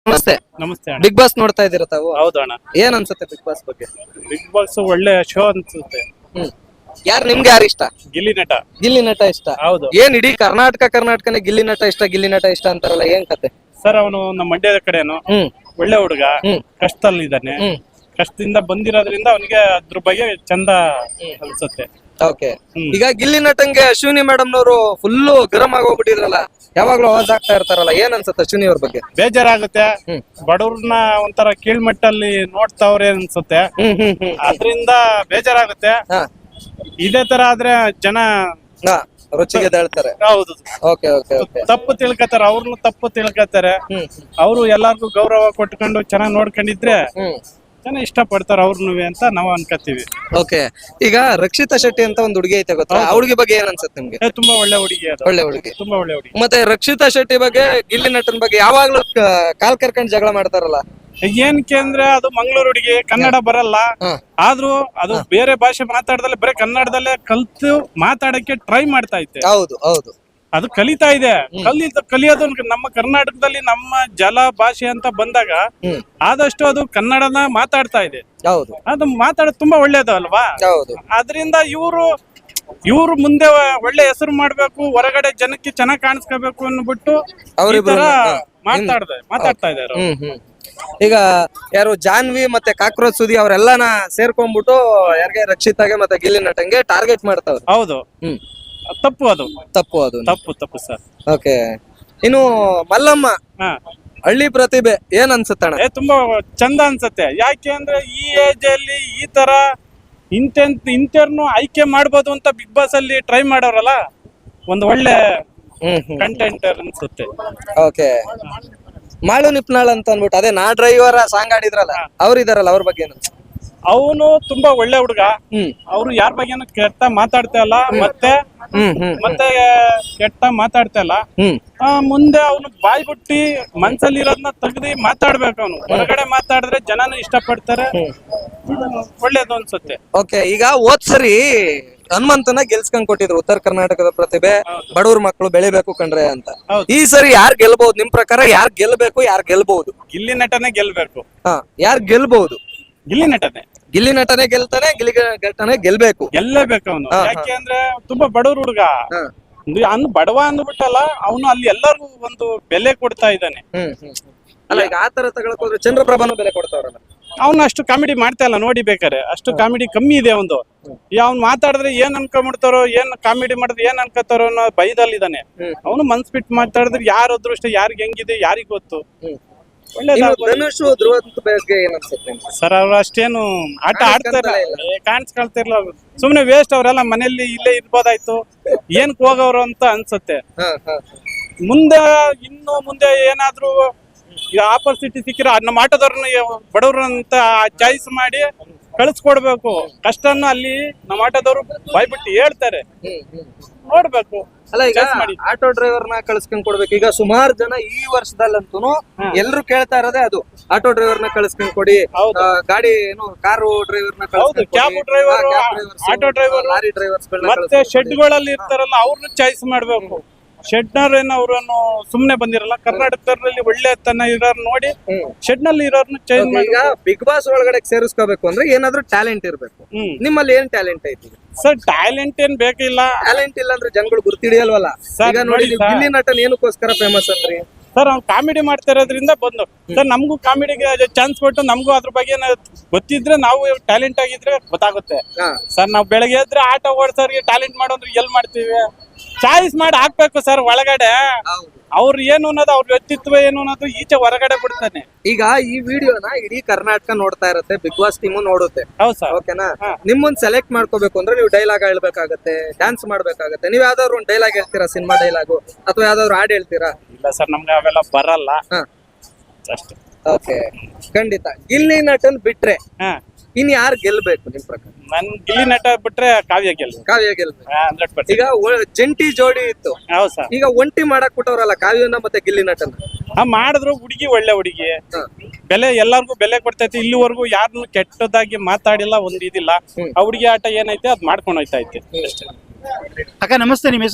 ನಮಸ್ತೆ. ನಮಸ್ತೆ ಅಣ್ಣ. ಬಿಗ್ ಬಾಸ್ ನೋಡ್ತಾ ಇದ್ದೀರಾ ತಾವು? ಹೌದು ಅಣ್ಣ. ಏನ್ ಅನ್ಸುತ್ತೆ ಬಿಗ್ ಬಾಸ್ ಬಗ್ಗೆ? ಬಿಗ್ ಬಾಸ್ ಒಳ್ಳೆ ಶೋ ಅನ್ಸುತ್ತೆ. ಯಾರು ನಿಮ್ಗೆ ಯಾರು ಇಷ್ಟ? ಗಿಲ್ಲಿ ನಟ. ಗಿಲ್ಲಿ ನಟ ಇಷ್ಟ. ಹೌದು ಏನ್ ಇಡೀ ಕರ್ನಾಟಕನೇ ಗಿಲ್ಲಿ ನಟ ಇಷ್ಟ ಅಂತಾರಲ್ಲ, ಏನ್ ಕತೆ? ಸರ್, ಅವನು ನಮ್ಮ ಮಂಡ್ಯದ ಕಡೆನು ಒಳ್ಳೆ ಹುಡುಗ, ಕಷ್ಟದಲ್ಲಿದ್ದಾನೆ. ಕಷ್ಟದಿಂದ ಬಂದಿರೋದ್ರಿಂದ ಅವನಿಗೆ ಅದ್ರ ಬಗ್ಗೆ ಚಂದ ಅನ್ಸುತ್ತೆ. ಓಕೆ. ಈಗ ಗಿಲ್ಲಿ ನಟಂಗೆ ಅಶ್ವಿನಿ ಮೇಡಮ್ ನವರು ಫುಲ್ಲು ಗರಂ ಆಗೋಗ್ಬಿಟ್ಟಿದ್ರಲ್ಲ, ಯಾವಾಗ್ಲೂ ಅವಾಜ್ ಆಗ್ತಾ ಇರ್ತಾರಲ್ಲ, ಏನ್ ಅನ್ಸುತ್ತೆ ಅಶ್ವಿನಿ ಅವ್ರ ಬಗ್ಗೆ? ಬೇಜಾರಾಗುತ್ತೆ. ಬಡವ್ರನ್ನ ಒಂಥರ ಕೀಳ್ಮಟ್ಟಲ್ಲಿ ನೋಡ್ತಾವ್ರೆ ಅನ್ಸುತ್ತೆ. ಅದ್ರಿಂದ ಬೇಜಾರಾಗುತ್ತೆ. ಇದೇ ತರ ಆದ್ರೆ ಜನ ರುಚಿಗೆ ಹೇಳ್ತಾರೆ. ಹೌದು, ಓಕೆ ಓಕೆ ಓಕೆ. ತಪ್ಪು ತಿಳ್ಕೊತಾರೆ, ಅವ್ರನ್ನು ತಪ್ಪು ತಿಳ್ಕೊತಾರೆ. ಅವರು ಎಲ್ಲಾರ್ಗು ಗೌರವ ಕೊಟ್ಕೊಂಡು ಚೆನ್ನಾಗಿ ನೋಡ್ಕೊಂಡಿದ್ರೆ ಜನ ಇಷ್ಟ ಪಡ್ತಾರ ಅವ್ರನ್ನು ಅಂತ ನಾವು ಅನ್ಕೋತೀವಿ. ಓಕೆ. ಈಗ ರಕ್ಷಿತಾ ಶೆಟ್ಟಿ ಅಂತ ಒಂದು ಹುಡುಗಿ ಐತೆ ಗೊತ್ತಾ, ಆ ಹುಡುಗಿ ಬಗ್ಗೆ ಏನ್ ಅನ್ಸುತ್ತೆ ನಿಮ್ಗೆ? ತುಂಬಾ ಒಳ್ಳೆ ಹುಡುಗಿ ಅದು. ಒಳ್ಳೆ ಹುಡುಗಿ, ತುಂಬಾ ಒಳ್ಳೆ ಹುಡುಗಿ. ಮತ್ತೆ ರಕ್ಷಿತಾ ಶೆಟ್ಟಿ ಬಗ್ಗೆ, ಗಿಲ್ಲಿ ನಟನ್ ಬಗ್ಗೆ ಯಾವಾಗ್ಲೂ ಕಾಲ್ ಕರ್ಕೊಂಡ್ ಜಗಳ ಮಾಡ್ತಾರಲ್ಲ, ಏನಕ್ಕೆ ಅಂದ್ರೆ ಅದು ಮಂಗಳೂರು ಹುಡುಗಿ, ಕನ್ನಡ ಬರಲ್ಲ. ಆದ್ರೂ ಅದು ಬೇರೆ ಭಾಷೆ ಮಾತಾಡ್ದಲ್ಲೇ ಬರೀ ಕನ್ನಡದಲ್ಲೇ ಕಲ್ತು ಮಾತಾಡಕ್ಕೆ ಟ್ರೈ ಮಾಡ್ತಾ ಐತೆ. ಹೌದು ಹೌದು, ಅದು ಕಲಿತಾ ಇದೆ. ಕಲಿಯೋದು ನಮ್ಮ ಕರ್ನಾಟಕದಲ್ಲಿ ನಮ್ಮ ಜಲ ಭಾಷೆ ಅಂತ ಬಂದಾಗ ಆದಷ್ಟು ಅದು ಕನ್ನಡನ ಮಾತಾಡ್ತಾ ಇದೆ. ಹೌದು, ಅದು ಮಾತಾಡೋದು ತುಂಬಾ ಒಳ್ಳೇದು ಅಲ್ವಾ? ಹೌದು. ಅದರಿಂದ ಇವರು ಮುಂದೆ ಒಳ್ಳೆ ಹೆಸರು ಮಾಡ್ಬೇಕು, ಹೊರಗಡೆ ಜನಕ್ಕೆ ಚೆನ್ನಾಗಿ ಕಾಣಿಸ್ಕೋಬೇಕು ಅನ್ಬಿಟ್ಟು ಮಾತಾಡ್ತಾ ಇದ್ದಾರೆ. ಈಗ ಯಾರು ಜಾನ್ವಿ ಮತ್ತೆ ಕಾಕ್ರೋಚ್ ಸುದಿ ಅವರೆಲ್ಲನ ಸೇರ್ಕೊಂಡ್ಬಿಟ್ಟು ಯಾರಿಗೆ ರಕ್ಷಿತಾಗೆ ಮತ್ತೆ ಗಿಲ್ಲಿ ನಟಂಗೆ ಟಾರ್ಗೆಟ್ ಮಾಡ್ತಾವ್ರೆ. ಹೌದು, ತಪ್ಪು ಅದು. ತಪ್ಪು ಸರ್. ಓಕೆ. ಇನ್ನು ಮಲ್ಲಮ್ಮ ಹಳ್ಳಿ ಪ್ರತಿಭೆ ಏನ್ ಅನ್ಸುತ್ತಣ್ಣ? ತುಂಬಾ ಚಂದ ಅನ್ಸುತ್ತೆ. ಯಾಕೆ ಅಂದ್ರೆ ಈ ಏಜ್ ಅಲ್ಲಿ ಈ ತರ ಇಂಥವ್ರನ್ನು ಆಯ್ಕೆ ಮಾಡ್ಬೋದು ಅಂತ ಬಿಗ್ ಬಾಸ್ ಅಲ್ಲಿ ಟ್ರೈ ಮಾಡೋರಲ್ಲ, ಒಂದು ಒಳ್ಳೆ ಕಂಟೆಂಟರ್ ಅನ್ಸುತ್ತೆ. ಓಕೆ. ಮಾಳು ನಿಪ್ನಾಳ್ ಅಂತ ಅನ್ಬಿಟ್ಟು ಅದೇ ನಾ ಡ್ರೈವರ್ ಸಾಂಗ್ ಆಡಿದ್ರಲ್ಲ, ಅವ್ರಿದಾರಲ್ಲ, ಅವ್ರ ಬಗ್ಗೆ ಏನು? ಅವನು ತುಂಬಾ ಒಳ್ಳೆ ಹುಡುಗ. ಅವ್ರು ಯಾರ ಬಗ್ಗೆನೂ ಕೆಟ್ಟ ಮಾತಾಡ್ತಾ ಇಲ್ಲ, ಮತ್ತೆ ಕೆಟ್ಟ ಮಾತಾಡ್ತಾ ಇಲ್ಲ. ಮುಂದೆ ಅವನು ಬಾಯ್ ಬಿಟ್ಟಿ ಮನ್ಸಲ್ಲಿ ಇರೋದನ್ನ ತೆಗ್ದಿ ಮಾತಾಡ್ಬೇಕು. ಅವನು ಹೊರಗಡೆ ಮಾತಾಡಿದ್ರೆ ಜನನು ಇಷ್ಟಪಡ್ತಾರೆ. ಒಳ್ಳೇದು ಅನ್ಸುತ್ತೆ. ಓಕೆ. ಈಗ ಹೋದ್ ಸರಿ ಹನುಮಂತನ ಗೆಲ್ಸ್ಕೊಂಡ್ ಕೊಟ್ಟಿದ್ರು, ಉತ್ತರ ಕರ್ನಾಟಕದ ಪ್ರತಿಭೆ, ಬಡವ್ರ ಮಕ್ಕಳು ಬೆಳಿಬೇಕು ಕಂಡ್ರೆ ಅಂತ. ಈ ಸರಿ ಯಾರು ಗೆಲ್ಬಹುದು ನಿಮ್ ಪ್ರಕಾರ? ಯಾರು ಗೆಲ್ಬೇಕು, ಯಾರು ಗೆಲ್ಬಹುದು? ಗಿಲ್ಲಿ ನಟನೆ ಗೆಲ್ಬೇಕು. ಯಾರು ಗೆಲ್ಬಹುದು? ಗಿಲ್ಲಿ ನಟನೆ ಗೆಲ್ತಾನೆ, ಗಿಲ್ಲಿ ನಟನೆ ಗೆಲ್ಬೇಕು. ಗೆಲ್ಲೇಬೇಕು ಅವನು. ಯಾಕೆ ಅಂದ್ರೆ ತುಂಬಾ ಬಡವ್ರ ಹುಡುಗ. ಬಡವ ಅಂದ್ಬಿಟ್ಟಲ್ಲ, ಅವನು ಅಲ್ಲಿ ಎಲ್ಲರಿಗೂ ಒಂದು ಬೆಲೆ ಕೊಡ್ತಾ ಇದ್ದಾನೆ. ಅಲ್ಲ, ಈಗ ಆತರ ತಗೊಳಕ್ ಹೋದ್ರೆ ಚಂದ್ರಪ್ರಭಾನು ಬೆಲೆ ಕೊಡ್ತಾವ್ರಲ್ಲ. ಅವ್ನು ಅಷ್ಟು ಕಾಮಿಡಿ ಮಾಡ್ತಾ ಇಲ್ಲ, ನೋಡಿ ಬೇಕಾರೆ. ಅಷ್ಟು ಕಾಮಿಡಿ ಕಮ್ಮಿ ಇದೆ ಒಂದು. ಅವ್ನು ಮಾತಾಡಿದ್ರೆ ಏನ್ ಅನ್ಕೊಂಡ್ಬಿಡ್ತಾರೋ, ಏನ್ ಕಾಮಿಡಿ ಮಾಡಿದ್ರೆ ಏನ್ ಅನ್ಕೋತಾರೋ ಅನ್ನೋ ಭಯದಲ್ಲಿದ್ದಾನೆ. ಅವನು ಮನ್ಸ್ ಬಿಟ್ಟು ಮಾತಾಡಿದ್ರೆ ಯಾರ ಅದೃಷ್ಟ ಯಾರಿಗೆ ಹೆಂಗಿದೆ ಯಾರಿಗ್ ಗೊತ್ತು. ಸರ್, ಅವ್ರು ಅಷ್ಟೇನು ಆಟ ಆಡ್ತಾರ, ಕಾಣಿಸ್ಕೊಳ್ತಿರ್ಲ. ಸುಮ್ನೆ ವೇಸ್ಟ್. ಅವರೆಲ್ಲ ಮನೆಯಲ್ಲಿ ಇಲ್ಲೇ ಇರ್ಬೋದಾಯ್ತು, ಏನಕ್ ಹೋಗವ್ರು ಅಂತ ಅನ್ಸುತ್ತೆ. ಮುಂದೆ ಏನಾದ್ರು ಆಪರ್ಚುನಿಟಿ ಸಿಕ್ಕಿರ ನಮ್ಮ ಆಟೋದವ್ರನ್ನ ಬಡವ್ರ ಅಂತ ಚಾಯ್ಸ್ ಮಾಡಿ ಕಳಿಸ್ಕೊಡ್ಬೇಕು. ಕಷ್ಟನ್ನು ಅಲ್ಲಿ ನಮ್ಮ ಆಟೋದವ್ರು ಬಾಯ್ಬಿಟ್ಟು ಹೇಳ್ತಾರೆ, ನೋಡ್ಬೇಕು. ಅಲ್ಲ, ಈಗ ಆಟೋ ಡ್ರೈವರ್ನ ಕಳ್ಸ್ಕೊಂಡ್ ಕೊಡ್ಬೇಕು. ಈಗ ಸುಮಾರು ಜನ ಈ ವರ್ಷದಲ್ಲಂತೂ ಎಲ್ರು ಕೇಳ್ತಾ ಇರೋದೇ ಅದು, ಆಟೋ ಡ್ರೈವರ್ನ ಕಳ್ಸ್ಕೊಂಡ್ ಕೊಡಿ, ಗಾಡಿ ಏನು ಕಾರು ಡ್ರೈವರ್ನ, cab driver, auto driver, lorry drivers, ಮತ್ತೆ ಶೆಡ್ಗಳಲ್ಲಿ ಇರ್ತಾರಲ್ಲ ಅವ್ರನ್ನ ಚಾಯ್ಸ್ ಮಾಡ್ಬೇಕು. ಶೆಡ್ನವ್ರೇನು ಅವ್ರನ್ನು ಸುಮ್ನೆ ಬಂದಿರಲ್ಲ. ಕರ್ನಾಟಕದಲ್ಲಿ ಒಳ್ಳೆ ತನ ಇರೋರ್ ನೋಡಿ ಶೆಡ್ ನಲ್ಲಿ ಇರೋರ್ನ ಚೇಂಜ್ ಮಾಡಿ. ಈಗ ಬಿಗ್ ಬಾಸ್ ಒಳಗಡೆ ಸೇರಿಸ್ಕೋಬೇಕು ಅಂದ್ರೆ ಏನಾದ್ರೂ ಟ್ಯಾಲೆಂಟ್ ಇರ್ಬೇಕು. ನಿಮ್ಮಲ್ಲಿ ಏನ್ ಟ್ಯಾಲೆಂಟ್ ಐತಿ? ಸರ್, ಟ್ಯಾಲೆಂಟ್ ಏನ್ ಬೇಕಿಲ್ಲ. ಟ್ಯಾಲೆಂಟ್ ಇಲ್ಲ ಅಂದ್ರೆ ಜನಗಳು ಗುರ್ತಿಡಿಯಲ್ವಲ್ಲ. ಈಗ ನೋಡಿ, ಗಿಲ್ಲಿ ನಟನ್ ಏನಕ್ಕೋಸ್ಕರ ಫೇಮಸ್ ಅಂದ್ರಿ? ಸರ್, ಅವ್ನು ಕಾಮಿಡಿ ಮಾಡ್ತಾ ಇರೋದ್ರಿಂದ ಬಂದು. ಸರ್, ನಮಗೂ ಕಾಮಿಡಿಗೆ ಚಾನ್ಸ್ ಕೊಟ್ಟು ನಮಗೂ ಅದ್ರ ಬಗ್ಗೆ ಗೊತ್ತಿದ್ರೆ, ನಾವು ಟ್ಯಾಲೆಂಟ್ ಆಗಿದ್ರೆ ಗೊತ್ತಾಗುತ್ತೆ. ಸರ್, ನಾವು ಬೆಳಗ್ಗೆ ಎದ್ರೆ ಆಟೋ ಓಡಿಸೋರಿಗೆ ಟ್ಯಾಲೆಂಟ್ ಮಾಡೋದ್ರೆ ಎಲ್ ಮಾಡ್ತೀವಿ? ಚಾಯ್ಸ್ ಮಾಡಿ ಹಾಕ್ಬೇಕು ಸರ್ ಒಳಗಡೆ. ಅವ್ರು ಏನು ಅನ್ನೋದು, ಅವ್ರ ವ್ಯಕ್ತಿತ್ವ ಏನು ಅನ್ನೋದು ಈಚೆ ಹೊರಗಡೆ ಬಿಡ್ತಾನೆ. ಈಗ ಈ ವಿಡಿಯೋನ ಇಡೀ ಕರ್ನಾಟಕ ನೋಡ್ತಾ ಇರುತ್ತೆ, ಬಿಗ್ ಬಾಸ್ ಟೀಮು ನೋಡುತ್ತೆ. ಹೌದು ಸರ್. ಓಕೆನಾ? ನಿಮ್ಮೊಂದ್ ಸೆಲೆಕ್ಟ್ ಮಾಡ್ಕೋಬೇಕು ಅಂದ್ರೆ ನೀವು ಡೈಲಾಗ್ ಹೇಳ್ಬೇಕಾಗತ್ತೆ, ಡ್ಯಾನ್ಸ್ ಮಾಡ್ಬೇಕಾಗತ್ತೆ. ನೀವ್ ಯಾವ್ದಾದ್ರು ಒಂದು ಡೈಲಾಗ್ ಹೇಳ್ತೀರಾ, ಸಿನಿಮಾ ಡೈಲಾಗು ಅಥವಾ ಯಾವ್ದಾದ್ರು ಹಾಡ್ ಹೇಳ್ತೀರಾ? ಇಲ್ಲ ಸರ್, ನಮ್ಗೆ ಅವೆಲ್ಲ ಬರಲ್ಲ ಅಷ್ಟೇ. ಓಕೆ, ಖಂಡಿತ. ಗಿಲ್ಲಿ ನಟನ್ ಬಿಟ್ರೆ ಇನ್ ಯಾರು ಗೆಲ್ಬೇಕು ನಿಮ್ ಪ್ರಕಾರ? ನನ್ ಗಿಲ್ಲಿ ನಟ ಬಿಟ್ರೆ ಕಾವ್ಯ ಗೆಲ್ಬೇಕು. 100%. ಈಗ ಜಂಟಿ ಜೋಡಿ ಇತ್ತು. ಹೌದು ಸರ್. ಈಗ ಒಂಟಿ ಮಾಡಕ್ ಬಿಟ್ಟವ್ರಲ್ಲ ಕಾವ್ಯನ ಮತ್ತೆ ಗಿಲ್ಲಿ ನಟನ. ಮಾಡಿದ್ರು ಹುಡುಗಿ ಒಳ್ಳೆ ಹುಡುಗಿ, ಬೆಲೆ ಎಲ್ಲಾರ್ಗು ಬೆಲೆ ಕೊಡ್ತೈತಿ. ಇಲ್ಲಿವರೆಗೂ ಯಾರನ್ನು ಕೆಟ್ಟದಾಗಿ ಮಾತಾಡಿಲ್ಲ, ಒಂದ್ ಇದಿಲ್ಲ. ಆ ಹುಡುಗಿ ಆಟ ಏನೈತೆ ಅದ್ ಮಾಡ್ಕೊಂಡು ಹೋಯ್ತಾ ಐತೆ. ಅಕ್ಕ ನಮಸ್ತೆ, ನಿಮ್ ಹೆಸರು?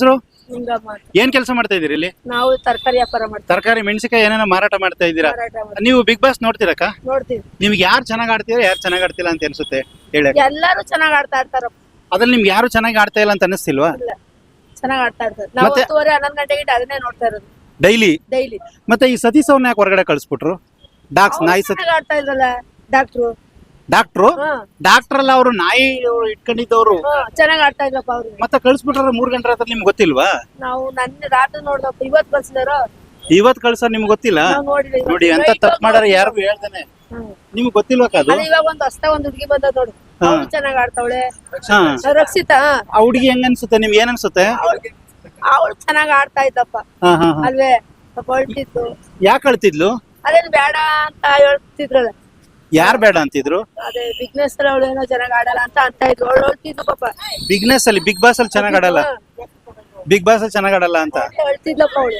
ಹಿಂಗಮ್ಮ ಅಂತ. ಏನ್ ಕೆಲಸ ಮಾಡ್ತಾ ಇದೀರಿ ಇಲ್ಲಿ? ನಾವು ತರಕಾರಿ ವ್ಯಾಪಾರ ಮಾಡ್ತೀವಿ, ತರಕಾರಿ ಮೆಣಸಿನಕಾಯಿ ಏನೇನೋ ಮಾರಾಟ ಮಾಡ್ತಾ ಇದ್ದೀರಾ. ಮಾರಾಟ ಮಾಡ್ತೀವಿ, ನೀವು ಬಿಗ್ ಬಾಸ್ ನೋಡ್ತೀರಕ್ಕ? ನೋಡ್ತೀವಿ. ನಿಮ್ಗೆ ಯಾರು ಚೆನ್ನಾಗ್ ಆಡ್ತೀರಾ, ಯಾರು ಚೆನ್ನಾಗ್ ಆಡ್ತಿಲ್ಲ ಅಂತ ಅನ್ಸುತ್ತೆ ಹೇಳಿ? ಎಲ್ಲಾರು ಚೆನ್ನಾಗ್ ಆಡ್ತಾ ಇರ್ತಾರಪ್ಪ. ಅದ್ರಲ್ಲಿ ನಿಮ್ಗೆ ಯಾರು ಚೆನ್ನಾಗಿ ಆಡ್ತಾ ಇಲ್ಲ ಅಂತ ಅನಿಸ್ತಿಲ್ವಾ? ಇಲ್ಲ, ಚೆನ್ನಾಗ್ ಆಡ್ತಾ ಇರ್ತಾರೆ. ನಾವು ಮತ್ತೆ? 10:30 11 ಗಂಟೆಗೆ ಅದನ್ನೇ ನೋಡ್ತಾ ಇರೋದು ಡೈಲಿ. ಡೈಲಿ. ಮತ್ತೆ ಈ ಸತೀಶ್ ಅವ್ರನ್ನ ಯಾಕೆ ಹೊರಗಡೆ ಕಳಿಸ್ಬಿಟ್ರು? ನಾಯಿ ಚೆನ್ನಾಗ್ ಆಡ್ತಾ ಇದ್ರಲ್ಲ ಡಾಕ್ಟ್ರು. ಡಾಕ್ಟ್ರು ಅಲ್ಲ, ಅವರು ನಾಯಿ ಇಟ್ಕೊಂಡಿದ್ದವ್ರು ಚೆನ್ನಾಗ್ ಆಡ್ತಾ ಇದ್ರಪ್ಪ ಅವ್ರು. ಮತ್ತೆ ಕಳಿಸ್ಬಿಟ್ರೆ 3 ಗಂಟೆ ರಾತ್ರಿ ನಿಮ್ಗೆ ಗೊತ್ತಿಲ್ವಾ? ನಾವು ನನ್ನ ರಾತ್ರಿ ನೋಡ್ದಪ್ಪ, ಇವತ್ ಕಳ್ಸಿದಾರೋ ಇವತ್ ಕಳ್ಸ ನಿಮ್ಗೆ ಗೊತ್ತಿಲ್ಲ? ನಾವು ನೋಡಿಲ್ಲ. ನೋಡಿ ಅಂತ ತಪ್ಪು ಮಾಡಾರ ಯಾರಿಗೂ ಹೇಳ್ತಾನೆ. ನಿಮ್ಗೆ ಗೊತ್ತಿಲ್ವಾ ಅದು? ಇವಾಗ ಒಂದು ಹುಡುಗಿ ಬಂದ ನೋಡು, ಅವ್ಳು ಚೆನ್ನಾಗ್ ಆಡ್ತಾವಳೆ. ಹಾ, ರಕ್ಷಿತಾ, ಆ ಹುಡುಗಿ ಹೆಂಗ್ ಅನ್ಸುತ್ತೆ ನಿಮ್ಗೆ? ಏನ್ ಅನ್ಸುತ್ತೆ? ಅವಳು ಚೆನ್ನಾಗ್ ಆಡ್ತಾ ಇದ್ದಪ್ಪ ಅಲ್ವೇ? ಸ್ವಲ್ಪ ಹೊರಟಿತ್ತು. ಯಾಕೆ ಅಳ್ತಿದ್ಲು? ಅದೇನು ಬೇಡ ಅಂತ ಹೇಳ್ತಿದ್ರಲ್ಲ. ಯಾರು ಬೇಡ ಅಂತಿದ್ರು? ಅದೇ ಬಿಗ್ನೆಸ್ ಅವಳು ಏನೋ ಚೆನ್ನಾಗ್ ಆಡಲ್ಲ ಅಂತ ಇದ್ರು. ಅವಳು ಹೇಳ್ತಿದ್ಲು ಪಾಪ. ಬಿಗ್ನೆಸ್ ಅಲ್ಲಿ, ಬಿಗ್ ಬಾಸ್ ಅಲ್ಲಿ ಚೆನ್ನಾಗ್ ಆಡಲ್ಲ, ಬಿಗ್ ಬಾಸ್ ಅಲ್ಲಿ ಚೆನ್ನಾಗ್ ಆಡಲ್ಲ ಅಂತ ಹೇಳ್ತಿದ್ಲಪ್ಪ ಅವಳು.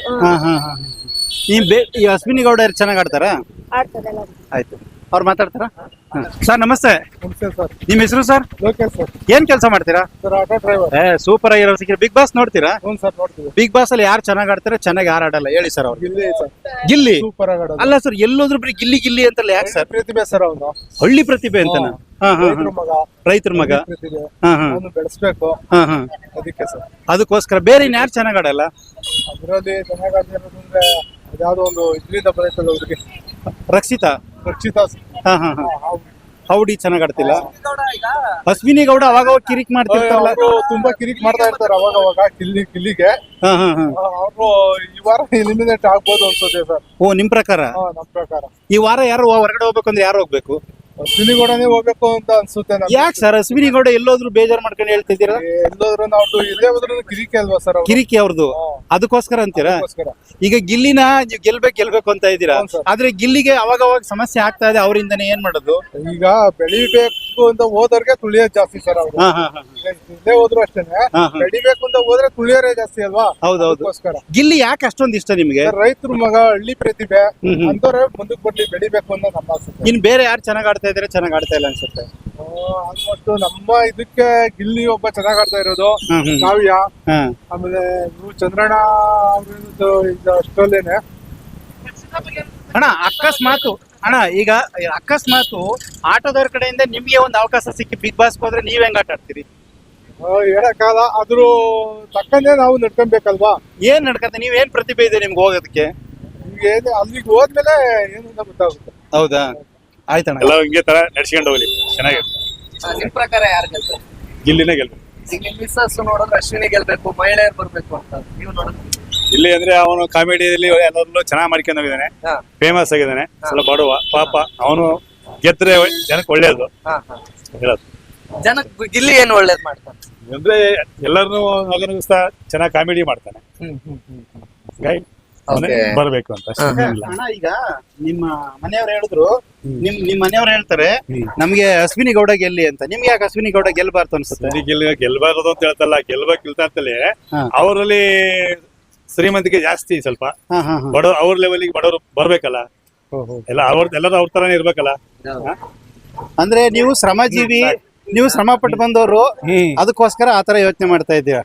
ಈ ಅಶ್ವಿನಿ ಗೌಡ ಚೆನ್ನಾಗ್ ಆಡ್ತಾರ? ಆಡ್ತಾರೆ ಎಲ್ಲ. ಆಯ್ತು, ಅವ್ರು ಮಾತಾಡ್ತಾರ? ಸರ್ ನಮಸ್ತೆ. ನಿಮ್ ಹೆಸರು ಸರ್? ಲೋಕೇಶ್ ಸರ್. ಏನ್ ಕೆಲಸ ಮಾಡ್ತೀರಾ? Sir auto driver. ಸೂಪರ್ ಆಗಿರೋ ಸಿಕ್ಕಿರ. ಬಿಗ್ ಬಾಸ್ ನೋಡ್ತೀರಾ? ಹ್ಞೂ ಸರ್, ನೋಡ್ತೀವಿ. ಬಿಗ್ ಬಾಸ್ ಅಲ್ಲಿ ಯಾರು ಚೆನ್ನಾಗ್ ಆಡ್ತಾರೆ, ಚೆನ್ನಾಗಿ ಯಾರು ಆಡಲ್ಲ ಹೇಳಿ ಸರ್? ಅವ್ರು ಗಿಲ್ಲಿ ಸರ್. ಗಿಲ್ಲಿ ಸೂಪರ್ ಆಗಿ ಆಡೋದು. ಅಲ್ಲ ಸರ್, ಎಲ್ಲೋದ್ರು ಬರೀ ಗಿಲ್ಲಿ ಗಿಲ್ಲಿ ಅಂತಲ್ಲ, ಯಾಕೆ ಸರ್? ಪ್ರತಿಭೆ ಸರ್ ಅವನು. ಹಳ್ಳಿ ಪ್ರತಿಭೆ ಅಂತನ? ರೈತರ ಮಗ. ರೈತರ ಮಗ. ಪ್ರತಿಭೆ ಹಾ ಹಾ ಅವನು ಬೆಳೆಸ್ಬೇಕು, ಹಾ ಹಾ ಅದಕ್ಕೆ ಸರ್. ಅದಕ್ಕೋಸ್ಕರ ಬೇರೆ ಇನ್ಯಾರು ಚೆನ್ನಾಗ್ ಆಡಲ್ಲ? ಅದರಲ್ಲಿ ಚೆನ್ನಾಗಿ ಆಡ್ತಿರೋದು ಅಂದ್ರೆ ಅದ್ಯಾವುದೋ ಒಂದು ಇದರಿಂದ ಬರುತ್ತಲ್ಲ ಅವ್ರಿಗೆ, ರಕ್ಷಿತಾ. ರಕ್ಷಿತಾ. ಹಾ ಹಾ ಹಾ ಹೌಡಿ ಚೆನ್ನಾಗ್ ಆಡ್ತಿಲ್ಲ. ಅಶ್ವಿನಿ ಗೌಡ ಅವಾಗ ಕಿರಿಕ್ ಮಾಡ್ತಿರ್ತಾರಲ್ಲ, ಅವರು ತುಂಬಾ ಕಿರಿಕ್ ಮಾಡ್ತಾ ಇರ್ತಾರೆ ಅವಾಗ ಅವಾಗ ಗಿಲ್ಲಿಗೆ. ಹಾ ಹಾ ಹಾ ಅವರು ಈ ವಾರ ಎಲಿಮಿನೇಟ್ ಆಗ್ಬೋದು ಅನ್ಸುತ್ತೆ ಸರ್. ಓ, ನಿಮ್ ಪ್ರಕಾರ? ನಮ್ ಪ್ರಕಾರ ಈ ವಾರ ಯಾರು ಹೊರಗಡೆ ಹೋಗ್ಬೇಕು ಅಂದ್ರೆ ಯಾರು ಹೋಗ್ಬೇಕು? ಅಶ್ವಿನಿ ಗೌಡನೇ ಹೋಗ್ಬೇಕು ಅಂತ ಅನ್ಸುತ್ತೆ ನಮ್ಗೆ. ಯಾಕೆ ಸರ್ ಅಶ್ವಿನಿ ಗೌಡ ಎಲ್ಲೋದ್ರು ಬೇಜಾರ್ ಮಾಡ್ಕೊಂಡು ಹೇಳ್ತಿದ್ದೀರಾ? ಎಲ್ಲೋದ್ರು ನಾವು ಇಲ್ಲೇ ಹೋದ್ರು ಕಿರಿಕೆ ಅಲ್ವಾ ಸರ್ ಅವ್ರು? ಕಿರಿಕಿ ಅವ್ರದ್ದು, ಅದಕ್ಕೋಸ್ಕರ ಅಂತೀರಾ? ಅದಕ್ಕೋಸ್ಕರ. ಈಗ ಗಿಲ್ಲಿನ ನೀವು ಗೆಲ್ಬೇಕು ಅಂತ ಇದ್ದೀರಾ, ಹೌದು ಸರ್. ಆದ್ರೆ ಗಿಲ್ಲಿಗೆ ಅವಾಗ ಸಮಸ್ಯೆ ಆಗ್ತಾ ಇದೆ, ಅವರಿಂದನೇ ಏನ್ ಮಾಡೋದು? ಈಗ ಬೆಳಿಬೇಕು ಅಂತ ಹೋದವ್ರಿಗೆ ತುಳಿಯೋದ್ ಜಾಸ್ತಿ ಸರ್ ಅವ್ರು. ಹಾ ಹಾ ಹಾ ಇಲ್ಲೇ ಹೋದ್ರು ಅಷ್ಟೇನೆ, ಹಾ, ಹಾ. ಬೆಳಿಬೇಕು ಅಂತ ಹೋದ್ರೆ ತುಳಿಯೋರೇ ಜಾಸ್ತಿ ಅಲ್ವಾ? ಹೌದೌದು. ಅದಕ್ಕೋಸ್ಕರ ಗಿಲ್ಲಿ ಯಾಕೆ ಅಷ್ಟೊಂದು ಇಷ್ಟ ನಿಮ್ಗೆ? ರೈತರ ಮಗ, ಹಳ್ಳಿ ಪ್ರತಿಭೆ ಹ್ಮ್. ಅಂತವ್ರೆ ಮುಂದಕ್ಕೆ ಬರ್ಲಿ, ಬೆಳಿಬೇಕು ಅಂತ ನಮ್ಮ ಆಸೆ. ಇನ್ ಬೇರೆ ಯಾರು ಚೆನ್ನಾಗ್ ಆಡ್ತಾ ಇದಾರೆ, ಚೆನ್ನಾಗ್ ಆಡ್ತಾ ಇಲ್ಲ ಅನ್ಸುತ್ತೆ? ಆಲ್ಮೋಸ್ಟ್ ನಮ್ಮ ಇದಕ್ಕೆ ಗಿಲ್ಲಿ ಒಬ್ಬ ಚೆನ್ನಾಗ್ ಆಡ್ತಾ ಇರೋದು, ಹ್ಮ್ ಹ್ಮ್ ಕಾವ್ಯ, ಹಾ. ಆಮೇಲೆ ಇವ್ರು ಚಂದ್ರಣ್ಣ ಅವ್ರದ್ದು ಈಗ ಅಷ್ಟರಲ್ಲೇನೆ. ಅಣ್ಣ ಈಗ ಅಕಸ್ಮಾತ್ ಆಟೋದವ್ರ ಕಡೆಯಿಂದ ನಿಮ್ಗೆ ಒಂದು ಅವಕಾಶ ಸಿಕ್ಕಿ ಬಿಗ್ ಬಾಸ್ ಹೋದ್ರೆ ನೀವ್ ಹೆಂಗ್ ಆಟ ಆಡ್ತೀರಿ? ಹೇಳಕ್ಕಾಗಲ್ಲ, ಅದ್ರ ತಕ್ಕಂತೆ ನಾವು ನಡ್ಕೊಬೇಕಲ್ವಾ? ಏನ್ ನಡ್ಕತ್ತೆ? ನೀವ್ ಏನ್ ಪ್ರತಿಭೆ ಇದೆ ನಿಮ್ಗೆ ಹೋಗೋದಕ್ಕೆ? ಈಗ ಏನು ಅಲ್ಲಿಗೆ ಹೋದ್ಮೇಲೆ ಏನು ಅಂತ ಗೊತ್ತಾಗುತ್ತೆ. ಹೌದಾ? ಆಯ್ತಣ್ಣ, ಎಲ್ಲ ಹಿಂಗೆ ತರ ನಡ್ಸ್ಕೊಂಡು ಹೋಗ್ಲಿ, ಚೆನ್ನಾಗಿರುತ್ತೆ. ನಿಮ್ ಪ್ರಕಾರ ಯಾರು ಗೆಲ್ತಾರೆ? ಗಿಲ್ಲಿನೇ ಗೆಲ್ಬೇಕು. ಈಗ ನಿಮ್ ಮಿಸ್ಸಸ್ ನೋಡಿದ್ರೆ ಅಶ್ವಿನಿ ಗೆಲ್ಬೇಕು, ಮಹಿಳೆಯರು ಬರ್ಬೇಕು ಅಂತ ನೀವು ನೋಡಿದ್ರೆ? ಇಲ್ಲಿ ಅಂದ್ರೆ ಅವನು ಕಾಮಿಡಿಯಲ್ಲಿ ಎಲ್ಲರಲ್ಲೂ ಚೆನ್ನಾಗಿ ಮಾಡ್ಕೊಂಡು ಹೋಗಿದ್ದಾನೆ, ಹಾ. ಫೇಮಸ್ ಆಗಿದ್ದಾನೆ. ಸ್ವಲ್ಪ ಬಡವ ಪಾಪ, ಅವನು ಗೆದ್ರೆ ಜನಕ್ಕೆ ಒಳ್ಳೇದು ಹಾ ಹಾ ಹೇಳೋದು. ಜನಕ್ಕೆ ಗಿಲ್ಲಿ ಏನು ಒಳ್ಳೇದ್ ಮಾಡ್ತಾನೆ ಅಂದ್ರೆ ಎಲ್ಲರನ್ನು ನಗನಗಿಸ್ತಾ ಚೆನ್ನಾಗಿ ಕಾಮಿಡಿ ಮಾಡ್ತಾನೆ. ಹಾಗಾಗಿ ಅವನೇ Okay. ಬರ್ಬೇಕು ಅಂತ ಅಷ್ಟೇ. ಏನಿಲ್ಲ. ಅಣ್ಣ ಈಗ ನಿಮ್ಮ ಮನೆಯವ್ರು ಹೇಳಿದ್ರು, ನಿಮ್ ಮನೆಯವ್ರು ಹೇಳ್ತಾರೆ ನಮ್ಗೆ ಅಶ್ವಿನಿ ಗೌಡ ಗೆಲ್ಲಿ ಅಂತ. ನಿಮ್ಗೆ ಯಾಕೆ ಅಶ್ವಿನಿ ಗೌಡ ಗೆಲ್ಬಾರ್ದು ಅನ್ಸುತ್ತೆ? ಗೆಲ್ಬಾರದು ಅಂತ ಹೇಳ್ತಲ್ಲ, ಗೆಲ್ಬೇಕಿಲ್ತ ಅಂತಲೇ ಹಾ. ಅವರಲ್ಲಿ ಶ್ರೀಮಂತಿಕೆ ಜಾಸ್ತಿ ಸ್ವಲ್ಪ. ಹಾ ಹಾ ಹಾ ಬಡವ್ರು ಅವ್ರ ಲೆವೆಲ್ಗೆ ಬಡವರು ಬರ್ಬೇಕಲ್ಲ, ಎಲ್ಲರೂ ಅವ್ರ ತರಾನೇ ಇರ್ಬೇಕಲ್ಲ. ಅಂದ್ರೆ ನೀವು ಶ್ರಮಜೀವಿ, ನೀವು ಶ್ರಮ ಪಟ್ಟು ಬಂದವರು, ಅದಕ್ಕೋಸ್ಕರ ಆತರ ಯೋಚನೆ ಮಾಡ್ತಾ ಇದ್ದೀರಾ?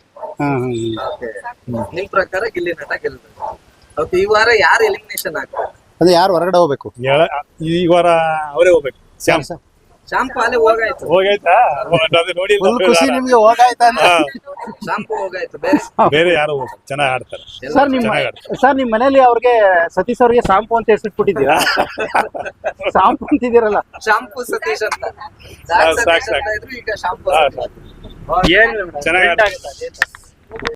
ನಿಮ್ ಪ್ರಕಾರ ಗಿಲ್ಲಿ ನಟ ಗೆಲ್ಬೇಕು. ಓಕೆ, ಈ ವಾರ ಯಾರು ಎಲಿಮಿನೇಷನ್ ಆಗ್ತಾರೆ? ಅದೇ ಯಾರು ಹೊರಗಡೆ ಹೋಗ್ಬೇಕು? ಈ ವಾರ ಅವರೇ ಹೋಗ್ಬೇಕು. ಶಾಂಪು ಅಲ್ಲೇ ಹೋಗಾಯ್ತು. ಹೋಗೈತಾ? ಅದು ನೋಡಿ ಫುಲ್ ಖುಷಿ ನಿಮ್ಗೆ ಹೋಗಾಯ್ತಾ ಅಂತ? ಶಾಂಪು ಹೋಗಾಯ್ತು. ಬೇರೆ ಬೇರೆ ಯಾರು ಚೆನ್ನಾಗಿ ಆಡ್ತಾರೆ. ಸರ್ ನಿಮ್ ಮನೇಲಿ ಅವ್ರಿಗೆ ಸತೀಶ್ ಅವ್ರಿಗೆ ಶಾಂಪು ಅಂತ ಹೆಸರಿಟ್ಬಿಟ್ಟಿದ್ದೀರಾ? ಶಾಂಪು ಅಂತಿದ್ದೀರಲ್ಲ? ಶಾಂಪು ಸತೀಶ್ ಅಂತ. ಸಾಕು, ಸತೀಶ್ ಸಾಕು. ಅಂತ ಇದ್ರು, ಈಗ ಶಾಂಪು ಹಾ, ಸತೀಶ್. ಏನ್ ಚೆನ್ನಾಗಿ ಆಡ್ತಾರೆ.